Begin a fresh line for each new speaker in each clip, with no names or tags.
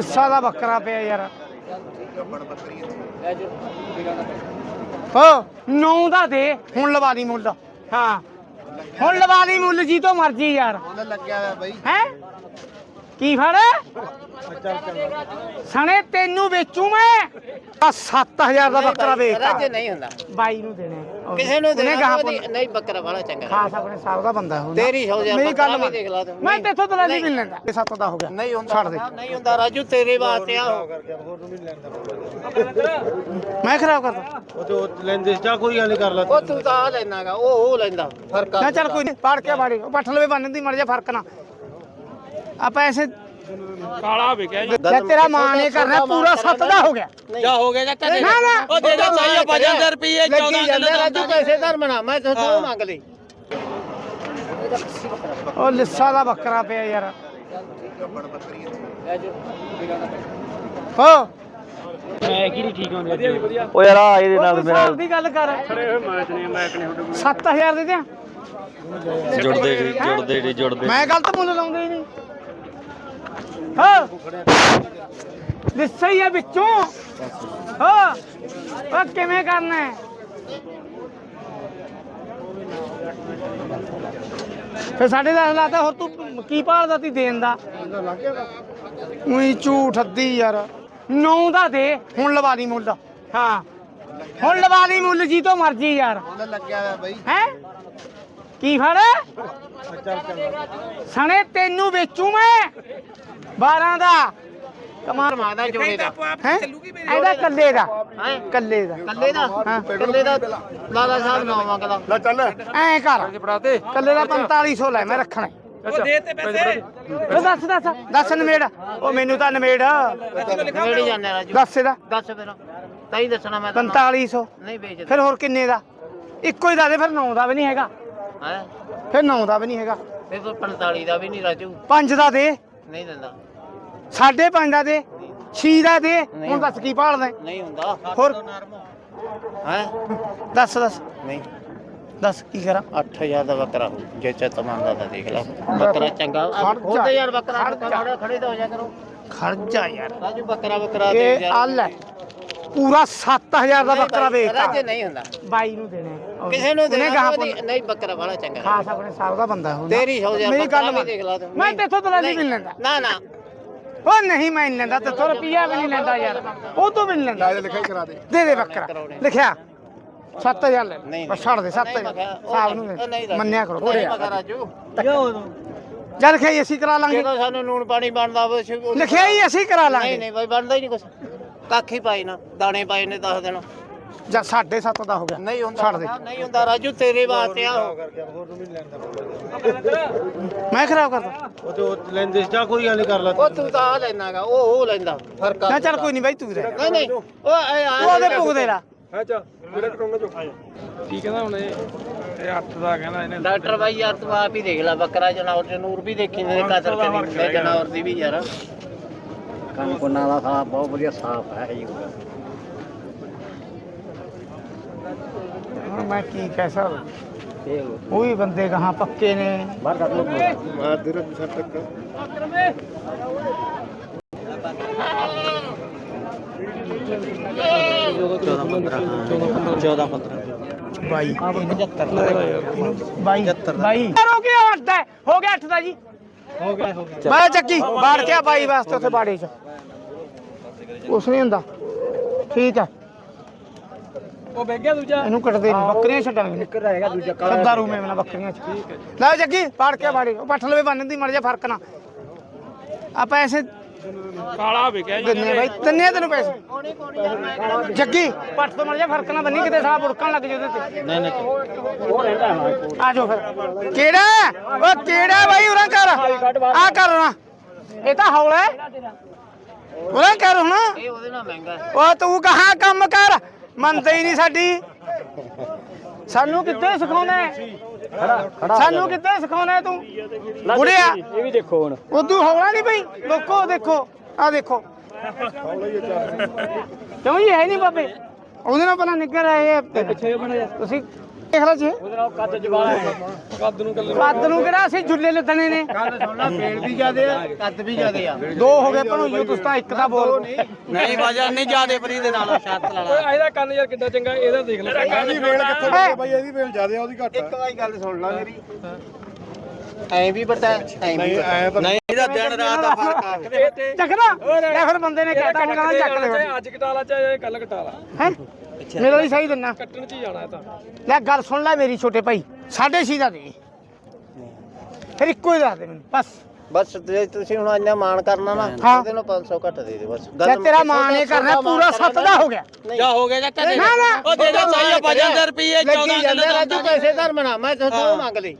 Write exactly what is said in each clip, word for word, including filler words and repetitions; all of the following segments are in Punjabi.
लिस्सा दा बकरा पे यार हो नौ दा दे हुण लवा दी मुल हाँ हुण लवा दी मुल जी तो मर्जी यार हैं की फड़ सने तेनू बेचू मैं सत्त हजार का बकरा बेचता
नहीं हुंदा
बाई नू देने
किसे नू देना नहीं बकरा वाला चंगा
खास अपने साल का बंदा है
तेरी हो जा
मेरी गल
देख ला तू
मैं तेथों दलाली नहीं लेंदा ये सत्त दा हो गया
नहीं हुंदा
छड़ दे
नहीं हुंदा राजू तेरे वास्ते आ
मैं खराब करदा
ਉਹ ਤੇ ਉਹ ਲੈਂਦੇ ਚਾ ਕੋਈ ਗੱਲ ਨਹੀਂ ਕਰ ਲਾ
ਉਹ ਤੂੰ ਤਾਂ ਆ ਲੈਣਾਗਾ ਉਹ ਉਹ ਲੈਂਦਾ ਫਰਕ ਆ
ना चल कोई नहीं पाड़ के बाड़ी पठ लवे बनने दी मर जा फर्क ना आप ऐसे
ਕਾਲਾ ਵਿਕਿਆ ਜੀ
या तेरा मां ने करना पूरा सत्त दा हो गया
ਜਾ ਹੋ ਗਿਆ ਚਾਚਾ
ना ना
ਉਹ ਦੇ ਦੇ ਚਾਹੀਏ ਪੰਜ ਹਜ਼ਾਰ ਰੁਪਏ
ਲੱਗੀ ਜਾਂਦਾ ਰਾਜੂ ਪੈਸੇ ਧਰ ਬਣਾ ਮੈਂ ਤੁਹਾਨੂੰ ਮੰਗ ਲਈ
ओ लिस्सा दा बकरा पे यार हो
ਮੈਂ ਕੀ ਨਹੀਂ ਠੀਕ ਹੁੰਦੇ ਵਧੀਆ ਵਧੀਆ
ਓ ਯਾਰ ਆ ਇਹਦੇ ਨਾਲ ਮੇਰਾ
ਸਾਲ ਦੀ ਗੱਲ ਕਰ
ਖੜੇ ਹੋਏ ਮੈਚ ਨੇ ਮੈਂ ਕਨੇ ਤੁਹਾਡੇ
ਸੱਤ ਹਜ਼ਾਰ ਦੇ ਦਿਆਂ
ਜੁੜਦੇ ਨਹੀਂ ਜੁੜਦੇ ਨਹੀਂ ਜੁੜਦੇ
ਮੈਂ ਗਲਤ ਮੁੱਲ ਲਾਉਂਦਾ ਹੀ ਨਹੀਂ ਹਾਂ ਲਿੱਸਾ ਹੀ ਹੈ ਵਿੱਚੋਂ ਹਾਂ ਉਹ ਕਿਵੇਂ ਕਰਨਾ ਹੈ ਫਿਰ ਸਾਡੇ ਦਸ ਲਾਤਾ ਹੋਰ ਤੂੰ ਕੀ ਭਾਲਦਾ ਤੀ ਦੇਣ ਦਾ ਉਹੀ ਝੂਠ ਅੱਧੀ ਯਾਰ ਨੌ ਦਾ ਦੇ ਹੁਣ ਲਵਾ ਲਈ ਮੁੱਲ ਹਾਂ ਹੁਣ ਲਵਾ ਲਈ ਮੁੱਲ ਜੀ ਤੋਂ ਮਰਜੀ ਯਾਰ
ਲੱਗਿਆ ਹੋਇਆ ਬਾਈ
ਹੈ ਕੀ ਫੜ ਸਣੇ ਤੈਨੂੰ ਵੇਚੂ ਮੈਂ ਬਾਰਾਂ ਦਾ ਕਮਾਲ
ਮਾਦਾ ਜੋੜੇ ਦਾ
ਹੈ ਇਹਦਾ ਕੱਲੇ ਦਾ
ਹੈ
ਕੱਲੇ ਦਾ
ਕੱਲੇ ਦਾ ਕੱਲੇ ਦਾ ਲਾਲਾ ਸਾਹਿਬ ਨਾ ਮੰਗਦਾ
ਲੈ ਚੱਲ
ਐ ਕਰ ਕੱਲੇ ਦਾ ਪੰਤਾਲੀ ਸੌ ਲੈ ਮੈਂ ਰੱਖਣਾ
ਉਹ ਦੇ ਤੇ ਪੈਸੇ
ਉਹ ਦੱਸ ਦੱਸ ਦੱਸ ਨਵੇੜ ਉਹ ਮੈਨੂੰ ਤਾਂ ਨਵੇੜ
ਮੇੜੀ ਜਾਂਦੇ ਰਾਜੂ
ਦੱਸ ਇਹਦਾ
ਦੱਸ ਫਿਰ ਤਾਈ ਦੱਸਣਾ ਮੈਂ ਤਾਂ
ਪੰਤਾਲੀ ਸੌ
ਨਹੀਂ ਵੇਚਦਾ
ਫਿਰ ਹੋਰ ਕਿੰਨੇ ਦਾ ਇੱਕੋ ਹੀ ਦਾ ਦੇ ਫਿਰ ਨੌ ਦਾ ਵੀ ਨਹੀਂ ਹੈਗਾ
ਹੈ
ਫਿਰ ਨੌ ਦਾ ਵੀ ਨਹੀਂ ਹੈਗਾ
ਫਿਰ ਤੂੰ ਪੰਤਾਲੀ ਦਾ ਵੀ ਨਹੀਂ ਰਾਜੂ
ਪੰਜ ਦਾ ਦੇ
ਨਹੀਂ ਦਿੰਦਾ
ਸਾਢੇ ਪੰਜ ਦਾ ਦੇ ਛੇ ਦਾ ਦੇ ਹੁਣ ਦੱਸ ਕੀ ਭਾਲਦਾ
ਨਹੀਂ ਹੁੰਦਾ
ਹੋਰ
ਹੈ
ਦੱਸ ਦੱਸ
ਨਹੀਂ
ਦੱਸ ਕੀ ਕਰਾਂ
ਅੱਠ ਹਜ਼ਾਰ ਦਾ ਬੱਕਰਾ ਹੋ ਜੇ ਚਿੱਤ ਮੰਨਦਾ ਤਾਂ ਦੇਖ ਲੈ ਬੱਕਰਾ ਚੰਗਾ ਖੁਦ ਯਾਰ ਬੱਕਰਾ ਖੜੇ ਖੜੇ ਤਾਂ ਹੋ ਜਾ ਕਰੋ
ਖਰਚਾ ਯਾਰ
ਰਾਜੂ ਬੱਕਰਾ ਬੱਕਰਾ ਦੇ
ਇਹ ਆਲ ਹੈ ਪੂਰਾ ਸੱਤ ਹਜ਼ਾਰ ਦਾ ਬੱਕਰਾ ਵੇਚਦਾ
ਰਾਜੂ ਨਹੀਂ ਹੁੰਦਾ
ਬਾਈ ਨੂੰ ਦੇਣੇ
ਕਿਸੇ ਨੂੰ
ਉਹਨੇ
ਦੇਣਾ
ਗਾਹਾਂ
ਨਹੀਂ ਨਹੀਂ ਬੱਕਰਾ ਵਾਲਾ ਚੰਗਾ
ਖਾਸ ਆਪਣੇ ਸਾਲ ਦਾ ਬੰਦਾ ਹੁੰਦਾ
ਤੇਰੀ ਹੋ ਜਾ
ਮੇਰੀ ਗੱਲ
ਬੱਕਰਾ ਵੀ
ਮੰਨ।
ਦੇਖ ਲਾ ਤੂੰ
ਮੈਂ ਤੇਥੋਂ ਦਲਾਲੀ ਵੀ ਨਹੀਂ ਲੈਂਦਾ
ਨਾ ਨਾ
ਉਹ ਨਹੀਂ ਮੈਂ ਨਹੀਂ ਲੈਂਦਾ ਤੇਥੋਂ ਰੁਪਈਆ ਵੀ ਨਹੀਂ ਲੈਂਦਾ ਯਾਰ ਉਹ ਤੋਂ ਵੀ ਨਹੀਂ ਲੈਂਦਾ
ਲਿਖਾਈ ਕਰਾ ਦੇ
ਦੇ ਦੇ ਬੱਕਰਾ ਲਿਖਿਆ ਸੱਤ ਹਜ਼ਾਰ ਲੈ
ਨਹੀਂ,
ਬਸ ਛੱਡ ਦੇ ਸੱਤ
ਨਹੀਂ ਮੈਂ
ਹਜ਼ਾਰ
ਕਿਹਾ, ਉਹ
ਸਾਹਿਬ
ਨਹੀਂ,
ਨੂੰ
ਉਹ ਨਹੀਂ ਰਾਜੂ।
ਮੰਨਿਆ ਕਰੋ
ਨਹੀਂ ਮੈਂ ਕਿਹਾ ਰਾਜੂ
ਜਦ ਲਿਖਿਆ ਅਸੀਂ ਕਰਾ ਲਾਂਗੇ
ਜਦੋਂ ਸਾਨੂੰ ਨੂਣ ਪਾਣੀ ਬਣਦਾ ਹੋਵੇ ਅਸੀਂ ਉਹ-
ਲਿਖਿਆ ਹੀ ਅਸੀਂ ਕਰਾ
ਨਹੀਂ
ਲਾਂਗੇ
ਨਹੀਂ ਬਾਈ ਬਣਦਾ ਹੀ ਨਹੀਂ ਕੁਛ ਕੱਖ ਹੀ ਪਾਈ ਨਾ ਦਾਣੇ ਪਾਏ ਨੇ ਦਸ ਦਿਨ
ਜਾਂ ਸਾਢੇ ਸੱਤ ਦਾ ਹੋ ਗਿਆ
ਨਹੀਂ ਹੁੰਦਾ
ਛੱਡ ਦੇ
ਨਹੀਂ ਹੁੰਦਾ ਰਾਜੂ ਤੇਰੇ ਵਾਸਤੇ ਆ ਉਹ।
ਮੈਂ ਖਰਾਬ ਕਰਦਾ
ਉਹ ਤੇ ਉਹ ਲੈਂਦੇ ਚਾ ਕੋਈ ਗੱਲ ਨਹੀਂ ਕਰ ਲਾ
ਉਹ ਤੂੰ ਤਾਂ ਆ ਲੈਣਾਗਾ ਉਹ ਉਹ ਲੈਂਦਾ ਫਰਕ ਆ
ਨਾ ਚੱਲ ਕੋਈ ਨਹੀਂ ਬਾਈ ਤੂੰ ਰਹਿ
ਨਹੀਂ ਨਹੀਂ ਉਹ ਇਹ ਆ-
ਤੂੰ ਉਹਦੇ ਭੁਗ ਦੇ ਲਾ
ਹੈ ਚਾ ਜਿਹੜਾ ਕਰਾਉਣਾ ਚੋ ਕੀ ਕਹਿੰਦਾ ਹੁਣ ਇਹ ਇਹ ਅੱਠ ਦਾ ਕਹਿੰਦਾ ਇਹਨੇ
ਡਾਕਟਰ ਬਾਈ ਯਾਰ ਤੂੰ ਆਪ ਹੀ ਦੇਖ ਲੈ ਬੱਕਰਾ ਜਨਾਵਰ ਤੇ ਨੂਰ ਵੀ ਦੇਖੀ ਨੇ ਕਦਰ ਕੇ ਨਹੀਂ ਜਨਾਵਰ ਦੀ ਵੀ ਯਾਰ
ਕੰਨ ਕੋਨਾ ਦਾ ਸਾਫ ਬਹੁਤ ਵਧੀਆ ਸਾਫ ਹੈ ਜੀ
ਹੁਣ ਮੈਂ ਕੀ ਕਹਿ ਸਕਦਾ ਉਹ ਵੀ ਬੰਦੇ ਕਹਾਂ ਪੱਕੇ ਨੇ
ਬਾਹਰ ਕੱਢ ਲੋ
ਮਾਰ ਦੇ ਰ ਸੱਤ ਤੱਕ
ਚੌਦਾਂ ਪੰਦਰਾਂ
ਬਾਈ ਬਾਈ ਬਾਈ ਹੋ ਗਿਆ ਅੱਠ ਹੈ ਹੋ ਗਿਆ ਅੱਠ ਦਾ ਜੀ
ਹੋ ਗਿਆ ਹੋ ਗਿਆ
ਮੈਂ ਚੱਕੀ ਬਾੜ ਕੇ ਆ ਬਾਈ ਵਾਸਤੇ ਉੱਥੇ ਬਾੜੇ 'ਚ ਕੁਛ ਨਹੀਂ ਹੁੰਦਾ ਠੀਕ ਹੈ
ਉਹ ਵੇਖ ਗਿਆ ਦੂਜਾ
ਇਹਨੂੰ ਕੱਟਦੇ ਨਹੀਂ ਬੱਕਰੀਆਂ ਛੱਡਾਂਗੇ
ਇੱਕ ਰਹੇਗਾ ਦੂਜਾ
ਸੱਦਾ ਰੂ ਮੇਵਨਾ ਬੱਕਰੀਆਂ 'ਚ ਲੈ ਜੱਗੀ ਬਾੜ ਕੇ ਬਾੜੇ ਉਹ ਪੱਠ ਲਵੇ ਬੰਨ ਦੀ ਮਰ ਜਾ ਫਰਕ ਨਾ ਆ ਪੈਸੇ
ਕਾਲਾ ਵਿਕਿਆ ਜੀ
ਦਿੰਨੇ ਬਾਈ ਦਿੰਨੇ ਤੈਨੂੰ ਪੈਸੇ ਜੱਗੀ ਪੱਠ ਤੋਂ ਮਰ ਜਾ ਫਰਕ ਨਾ ਬੰਨੀ ਕਿਤੇ ਸਾਹ ਬੁੜਕਣ ਲੱਗ ਜੇ ਉਹਦੇ ਤੇ
ਨਹੀਂ ਨਹੀਂ ਉਹ ਰਹਿੰਦਾ
ਆ ਜਾਓ ਫਿਰ ਕਿਹੜਾ ਉਹ ਕਿਹੜਾ ਬਾਈ ਉਰਾਂ ਕਰ ਆ ਕਰ ਨਾ ਇਹ ਤਾਂ ਹੌਲਾ ਉਰਾਂ ਕਰ ਹੁਣ
ਇਹ ਉਹਦੇ ਨਾਲ ਮਹਿੰਗਾ ਹੈ।
ਉਹ ਤੂੰ ਕਹਾਂ ਕੰਮ ਕਰ ਮੰਨਦੇ ਹੀ ਨਹੀਂ ਸਾਡੀ ਸਾਨੂੰ ਕਿੱਥੇ ਸਿਖਾਉਣਾ ਹੈ ਸਾਨੂੰ ਕਿੱਥੇ ਸਿਖਾਉਣਾ ਹੈ ਤੂੰ ਬੁੜਿਆ
ਇਹ ਵੀ ਦੇਖੋ ਹੁਣ
ਉਦੋਂ ਹੌਲਾ ਨਹੀਂ ਪਈ ਲੋਕੋ ਦੇਖੋ ਆ ਦੇਖੋ ਕਿਉਂ ਜੀ ਹੈ ਨਹੀਂ ਬਾਬੇ ਉਹਦੇ ਨਾਲ ਪਹਿਲਾਂ ਨਿੱਗਰ ਆਏ
ਪਿੱਛੇ ਬਣ ਜਾ
ਤੁਸੀਂ ਦੇਖ ਲੈ ਜੀ
ਕੱਦ ਜਵਾਲਾ ਹੈ
ਕੱਦ ਨੂੰ ਕੱਲੇ
ਕੱਦ ਨੂੰ ਕਿਹੜਾ ਅਸੀਂ ਝੁੱਲੇ ਲੱਦਣੇ ਨੇ
ਗੱਲ ਸੁਣ ਲੈ ਪੇੜ ਵੀ ਜ਼ਿਆਦੇ ਆ ਕੱਦ ਵੀ ਜ਼ਿਆਦੇ ਆ
ਦੋ ਹੋ ਗਏ ਭਣੋਈਓ ਤੁਸੀਂ ਤਾਂ ਇੱਕ ਦਾ ਬੋਲ
ਨਹੀਂ ਵਜਨ ਨਹੀਂ ਜ਼ਿਆਦੇ ਫਰੀ ਦੇ ਨਾਲ ਸ਼ਰਤ ਲਾ
ਓਏ ਇਹਦਾ ਕੰਨ ਯਾਰ ਕਿੱਡਾ ਚੰਗਾ ਇਹਦਾ ਦੇਖ ਲੈ
ਇਹਦੀ ਵੇਲ ਕਿੱਥੋਂ
ਹੈਂ?
ਬਾਈ ਇਹਦੀ ਵੇਲ ਜ਼ਿਆਦੇ ਆ ਉਹਦੀ ਘੱਟ
ਇੱਕ ਵਾਰੀ ਗੱਲ ਸੁਣ ਲੈ ਮੇਰੀ ਐਂ ਵੀ ਪਤਾ ਐਂ ਵੀ
ਨਹੀਂ
ਪਤਾ
ਐ ਤਾਂ
ਨਹੀਂ ਇਹਦਾ ਦਿਨ ਰਾਤ ਦਾ ਫਰਕ ਆ
ਚੱਕਦਾ ਲੈ ਫਿਰ ਬੰਦੇ ਨੇ ਕਹਿਤਾ ਹੁਣ ਕਹਿੰਦਾ ਚੱਕ ਲੈ
ਚਾਹੇ ਅੱਜ ਕਟਾਲਾ ਚਾਹੇ ਕੱਲ ਕਟਾਲਾ
ਹੈ ਮੇਰਾ ਵੀ ਸਹੀ ਦਿੰਨਾ
ਕੱਟਣ ਚ ਹੀ ਜਾਣਾ ਇਹ ਤਾਂ
ਲੈ ਗੱਲ ਸੁਣ ਲੈ ਮੇਰੀ ਛੋਟੇ ਭਾਈ ਸਾਢੇ ਛੇ ਦਾ ਦੇ ਫਿਰ ਇੱਕੋ ਹੀ ਦੱਸ ਦੇ ਮੈਨੂੰ ਬਸ
ਬਸ ਜੇ ਤੁਸੀਂ ਹੁਣ ਇੰਨਾ ਮਾਣ ਕਰਨਾ ਨਾ
ਹਾਂ।
ਇਹਦੇ ਨੂੰ ਪੰਜ ਸੌ ਘੱਟ ਦੇ ਦੇ ਬਸ
ਲੈ ਤੇਰਾ ਮਾਣ ਇਹ ਕਰਨਾ ਪੂਰਾ ਸੱਤ ਦਾ ਹੋ ਗਿਆ
ਜਾ ਹੋ ਗਿਆ ਚਾਚਾ
ਨਾ ਨਾ
ਉਹ ਦੇ ਦੇ ਚਾਹੀਏ ਪਚੱਤਰ ਰੁਪਏ ਲੱਗੀ ਜਾਂਦੇ ਰਾਜੂ ਪੈਸੇ ਧਰ ਮਨਾ ਮੈਂ ਤੁਹਾਨੂੰ ਮੰਗ ਲਈ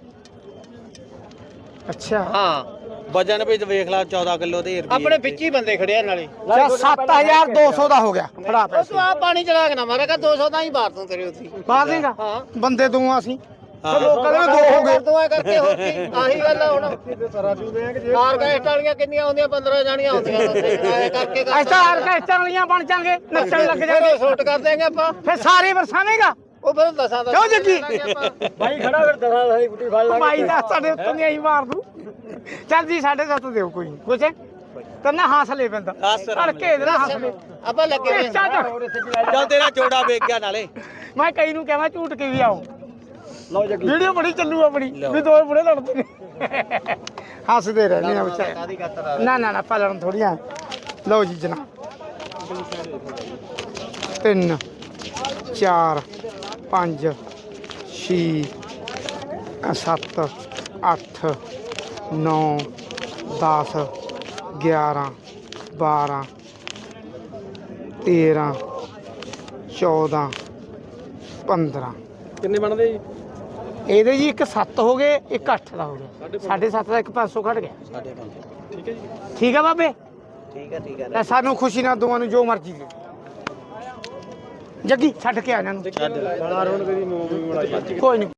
ਅੱਛਾ
ਹਾਂ ਵਜਨ ਵਿੱਚ ਵੇਖ ਲਾ ਚੌਦਾਂ ਕਿਲੋ ਦੇ ਆਪਣੇ ਵਿੱਚ ਹੀ ਬੰਦੇ ਖੜੇ ਆ ਨਾਲੇ
ਚਾ ਸੱਤ ਹਜ਼ਾਰ ਦੋ ਸੌ ਦਾ ਹੋ ਗਿਆ ਫੜਾ
ਉਹ
ਪੈਸੇ
ਤੂੰ ਆ ਪਾਣੀ ਚਲਾ ਕੇ ਨਾ ਮਾਰੇ ਕਾ ਦੋ ਸੌ ਦਾ ਹੀ ਬਾਹਰ ਤੂੰ ਤੇਰੇ ਉੱਥੇ
ਬਾਹਰ ਦੇਗਾ
ਹਾਂ
ਬੰਦੇ ਦੋ ਆ ਅਸੀਂ ਤੇ ਲੋਕਾਂ ਦੇ ਵੀ ਦੋ ਹੋ ਗਏ
ਦੋ ਐ ਕਰਕੇ ਹੋ ਗਈ ਆਹੀ ਗੱਲ ਆ ਹੁਣ ਆਰਕੈਸਟ ਵਾਲੀਆਂ ਕਿੰਨੀਆਂ ਹੁੰਦੀਆਂ ਪੰਦਰਾਂ ਜਾਣੀਆਂ ਹੁੰਦੀਆਂ ਐ ਕਰਕੇ
ਅਸੀਂ ਤਾਂ ਆਰਕੈਸਟਰ ਵਾਲੀਆਂ ਬਣ ਜਾਾਂਗੇ ਨੱਚਣ ਲੱਗ
ਫਿਰ
ਜਾਾਂਗੇ
ਉਹ ਸ਼ੂਟ ਕਰ ਦੇਂਗੇ ਆਪਾਂ
ਫਿਰ ਸਾਰੇ ਵਰਸਾਵੇਂਗਾ
ਉਹ ਫਿਰ ਦਸਾਂ ਦਾ
ਕਿਉਂ ਜੱਗੀ?
ਬਾਈ ਖੜਾ ਫਿਰ ਦਰਾਂ ਦਾ ਗੁੱਟੀ ਫੜ ਲਾ
ਭਾਈ ਦਾ ਸਾਡੇ ਉੱਤੋਂ ਨਹੀਂ ਮਾਰ ਦੂ ਚੱਲ ਜੀ ਸਾਡੇ ਸੱਤ ਦਿਓ ਕੋਈ ਨੀ। ਕੁਛ ਤੰਨਾ ਹੱਸ ਲੈ ਬੰਦਾ ਧੜਕੇ ਦੇ ਹੱਸ ਲੈ
ਆਪਾਂ ਲੱਗੇ ਹੋਏ
ਚੱਲ ਚੱਲ
ਚੱਲ ਤੇਰਾ ਜੋੜਾ ਵੇਚ ਗਿਆ ਨਾਲੇ
ਮੈਂ ਕਈ ਨੂੰ ਕਹਾਂ ਝੂਟ ਕੇ ਵੀ ਆਓ
ਲਓ ਜੱਗੀ
ਵੀਡੀਓ ਬੜੀ ਚੱਲੂ ਆਪਣੀ ਵੀ ਦੋ ਬੁੜੇ ਲੜਦੇ ਨੇ ਹੱਸਦੇ ਰਹਿੰਦੇ ਆ ਵਿਚਾਰੇ
ਕਾਦੀ ਕਰਤਾ
ਨਾ ਨਾ ਨਾ ਪਾਲਣ ਥੋੜੀਆਂ ਲਓ ਜੀ ਜਨਾਬ ਤਿੰਨ ਚਾਰ ਪੰਜ ਛੇ ਸੱਤ ਅੱਠ ਨੌ ਦਸ ਗਿਆਰਾਂ ਬਾਰਾਂ ਤੇਰਾਂ ਚੌਦਾਂ ਪੰਦਰਾਂ
ਕਿੰਨੇ ਬਣਦੇ ਜੀ
ਇਹਦੇ ਜੀ ਇੱਕ ਸੱਤ ਹੋ ਗਏ ਇੱਕ ਅੱਠ ਦਾ ਹੋ ਗਿਆ ਸਾਢੇ ਸੱਤ ਦਾ ਇੱਕ ਪੰਜ ਸੌ ਘਟ ਗਿਆ
ਸਾਡੇ ਪੰਜ
ਠੀਕ ਹੈ ਜੀ
ਠੀਕ ਆ ਬਾਬੇ
ਠੀਕ ਹੈ ਠੀਕ ਹੈ
ਲੈ ਸਾਨੂੰ ਖੁਸ਼ੀ ਨਾਲ ਦੋਵਾਂ ਨੂੰ ਜੋ ਮਰਜ਼ੀ ਦੇ ਜੱਗੀ ਛੱਡ ਕੇ ਆ ਇਹਨਾਂ ਨੂੰ
ਛੱਡ
ਕੋਈ ਨਹੀਂ